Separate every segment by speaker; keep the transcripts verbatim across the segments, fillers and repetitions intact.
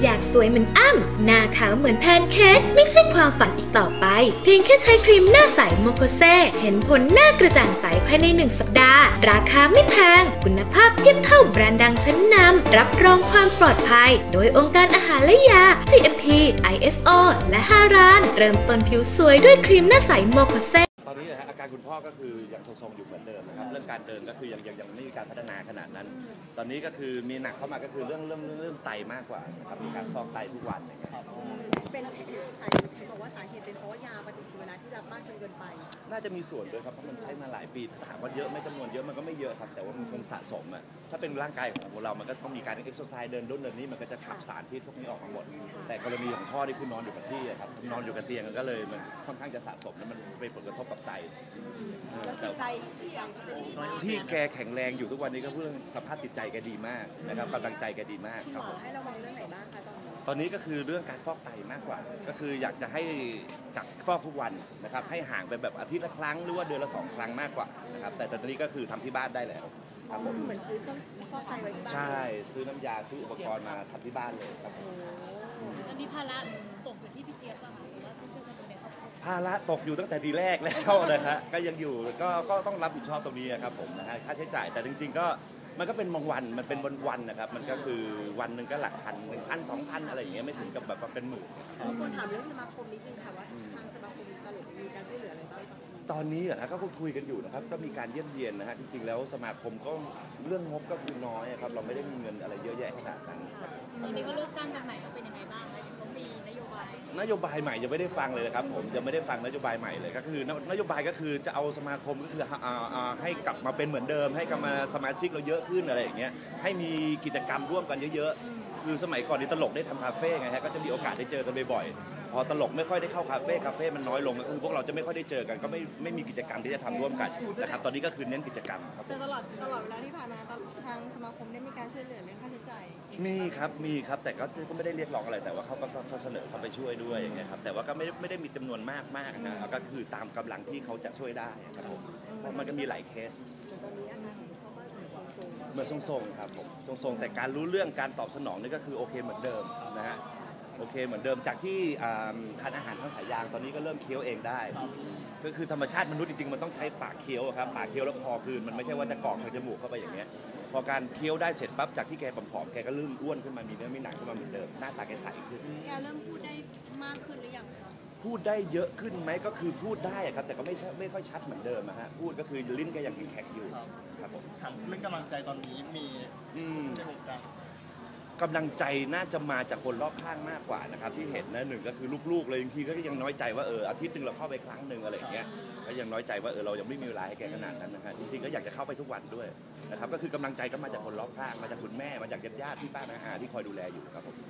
Speaker 1: อยากสวยเหมือนอ้ำหน้าขาวเหมือนแพนเค้กไม่ใช่ความฝันอีกต่อไปเพียงแค่ใช้ครีมหน้าใสโมโคเซเห็นผลหน้ากระจ่างใสภายในหนึ่งสัปดาห์ราคาไม่แพงคุณภาพเทียบเท่าแบรนด์ดังชั้นนำรับรองความปลอดภัยโดยองค์การอาหารและยา จี เอ็ม พี ไอ เอส โอ และห้าร้านเริ่มต้นผิวสวยด้วยครีมหน้าใสโมโคเซ
Speaker 2: ตอนนี้นะฮะอาการคุณพ่อก็คือยังทรงๆอยู่เหมือนเดิมนะครับเรื่องการเดินก็คือยังยังยังไม่มีการพัฒนาขนาดนั้นตอนนี้ก็คือมีหนักเข้ามาก็คือเรื่องเรื่องเรื่องเรื่องไตมากกว่านะครับมีการฟอกไตทุกวันอย่างเงี้ย
Speaker 3: เป็นสาเหตุบอกว่าสาเหตุเป็นเพราะว่ายาปฏิชีวนะที่รับมากจนเกินไป
Speaker 2: น่าจะมีส่วนด้วยครับเพราะมันใช้มาหลายปีถ้าถามว่าเยอะไม่จำนวนเยอะมันก็ไม่เยอะครับแต่ว่ามันคงสะสมอ่ะถ้าเป็นร่างกายของเรามันก็ต้องมีการเอ็กซ์ไซส์เดินด้นเดินนี้มันก็จะขับสารพิษพวกนี้ออกมาหมดแต่กรณีของพ่อที่คือนอนอยู่กับที่ครับนอนอยู่กับเตียงก็เลยมันค่อนข้างจะสะสมแล้วมันเป็นผลกระทบกับไต
Speaker 3: แต่ใจ
Speaker 2: ที่แกแข็งแรงอยู่ทุกวันนี้ก็เพื่อสภาพจิตใจแกดีมากนะครับกำลังใจแกดีมากครับ
Speaker 3: ให้ระวังเรื่องไหนบ้างคะตอนนี้
Speaker 2: ตอนนี้ก็คือเรื่องการฟอกไตมากกว่าก็คืออยากจะให้จากฟอกทุกวันนะครับให้ห่างไปแบบอาทิตย์ละครั้งหรือว่าเดือนละสองครั้งมากกว่านะครับแต่ตอนนี้ก็คือทำที่บ้านได้แล้ว
Speaker 3: ครับผมเหมือนซื้อเครื่องฟอกไตไว้ที่บ้าน
Speaker 2: ใช่ซื้อน้ำยาซื้ออุปกรณ์มาทำที่บ้านเลยครับ
Speaker 4: อันนี้ภาระตกอยู่ที่พี่เจี๊ยบป่ะคะหรือว่าที่ช่วยกันดูแลครอบครัว
Speaker 2: ภาระตกอยู่ตั้งแต่ทีแรกแล้วนะครับก็ยังอยู่ก็ก็ต้องรับผิดชอบตรงนี้ครับผมนะฮะค่าใช้จ่ายแต่จริงๆก็มันก็เป็นบางวันมันเป็นวันวันนะครับมันก็คือวันหนึ่งก็หลักพันหนึ่งพันสองพันอะไรอย่างเงี้ยไม่ถึงกับแบบว่าเป็นหมื่น
Speaker 3: คนถามเรื่องสมาคมนิดนึงค่ะว่าทางสมาคมตลกมีการช่วยเหลืออะไรบ้าง
Speaker 2: ตอนนี้เหรอฮะก็คุยกันอยู่นะครับก็มีการเยี่ยมเยียนนะฮะจริงๆแล้วสมาคมก็เรื่องงบก็คือน้อยครับเราไม่ได้มีเงินอะไรเยอะแยะขนาดนั้น
Speaker 4: ตอนนี้ก็เลือกตั้งกันใหม่เป็นยังไงบ้างคะเขามีนโยบาย
Speaker 2: นโยบายใหม่ยังไม่ได้ฟังเลยนะครับผมยังไม่ได้ฟังนโยบายใหม่เลยก็คือนโยบายก็คือจะเอาสมาคมก็คือให้กลับมาเป็นเหมือนเดิมให้กลับมาสมาชิกเราเยอะขึ้นอะไรอย่างเงี้ยให้มีกิจกรรมร่วมกันเยอะๆคือสมัยก่อนนี่ตลกได้ทำคาเฟ่ไงฮะก็จะมีโอกาสได้เจอกันบ่อยๆพอตลกไม่ค่อยได้เข้าคาเฟ่คาเฟ่มันน้อยลงก็คือพวกเราจะไม่ค่อยได้เจอกันก็ไม่ไม่มีกิจกรรมที่จะทำร่วมกันนะครับตอนนี้ก็คือเน้นกิจกรรมครับ
Speaker 3: แต่ตลอดตลอดเวลาที่ผ่านมาทางสมาคมได้มีการช่วยเหลือเรื่องค่าใช้จ่าย
Speaker 2: มีครับมีครับแต่ก็ก็ไม่ได้เรียกร้องอะไรแต่ว่าเขาก็เขาเสนอเขาไปช่วยด้วยอย่างเงี้ยครับแต่ว่าก็ไม่ไม่ได้มีจำนวนมากมากนะก็คือตามกำลังที่เขาจะช่วยได้ครับผมเพราะมันก็มีหลายเคส
Speaker 3: ตอนนี้อาการของเขาก็
Speaker 2: เหมือนทรงๆครับผมทรงๆแต่การรู้เรื่องการตอบสนองนี่ก็คือโอเคเหมือนเดิมนะฮะโอเคเหมือนเดิมจากที่ทานอาหารทางสายยางตอนนี้ก็เริ่มเคี้ยวเองได้ก็คือธรรมชาติมนุษย์จริงๆมันต้องใช้ปากเคี้ยวครับปากเคี้ยวแล้วคอคืนมันไม่ใช่ว่าจะกรอกทางจมูกเข้าไปอย่างเงี้ยพอการเคี้ยวได้เสร็จปั๊บจากที่แกผอมๆแกก็เริ่มอ้วนขึ้นมามีเนื้อมีหนังขึ้นมาเหมือนเดิมหน้าตาแกใสขึ้น
Speaker 3: แกเริ่มพูดได้มากขึ้นหรือยัง
Speaker 2: พูดได้เยอะขึ้นไหมก็คือพูดได้ครับแต่ก็ไม่ไม่ค่อยชัดเหมือนเดิมนะฮะพูดก็คือลิ้นแกยังแข็งๆอยู่ครับผม
Speaker 5: เรื่องกำลังใจตอนนี้มีในวงการ
Speaker 2: กำลังใจน่าจะมาจากคนรอบข้างมากกว่านะครับที่เห็นนะหนึ่งก็คือลูกๆเลยบางทีก็ยังน้อยใจว่าเอออาทิตย์หนึ่งเราเข้าไปครั้งหนึ่งอะไรอย่างเงี้ยก็ยังน้อยใจว่าเออเรายังไม่มีเวลาให้แกขนาดนั้นนะฮะจริงๆก็อยากจะเข้าไปทุกวันด้วยนะครับก็คือกำลังใจก็มาจากคนรอบข้างมาจากคุณแม่มาจากญาติๆที่ป้าน้าอาที่คอยดูแลอยู่ครับผม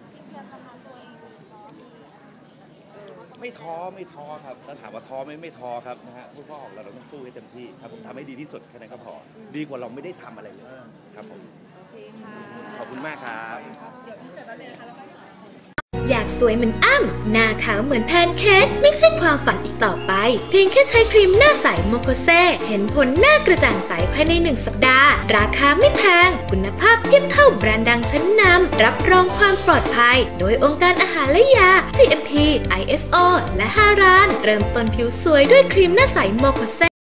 Speaker 2: ไม่ท้อไม่ท้อครับถ้าถามว่าท้อไม่ไม่ท้อครับนะฮะพวกพ่อของเราเราต้องสู้ให้เต็มที่ครับผมทำให้ดีที่สุดแค่นั้นก็พอดีกว่าเราไม่ได้ทำอะไรเลยครับผม
Speaker 3: โอเคค่ะ
Speaker 2: ขอบคุณมากครับ
Speaker 3: เดี๋ยวพี่เสร็จแล้วเลยนะคะแล้วก็
Speaker 1: อยากสวยเหมือนอ้ำหน้าขาวเหมือนแพนเค้กไม่ใช่ความฝันอีกต่อไปเพียงแค่ใช้ครีมหน้าใสโมโคเซเห็นผลหน้ากระจ่างใสภายในหนึ่งสัปดาห์ราคาไม่แพงคุณภาพเทียบเท่าแบรนด์ดังชั้นนำรับรองความปลอดภัยโดยองค์การอาหารและยา จี เอ็ม พี ไอ เอส โอ และห้าร้านเริ่มต้นผิวสวยด้วยครีมหน้าใสโมโคเซ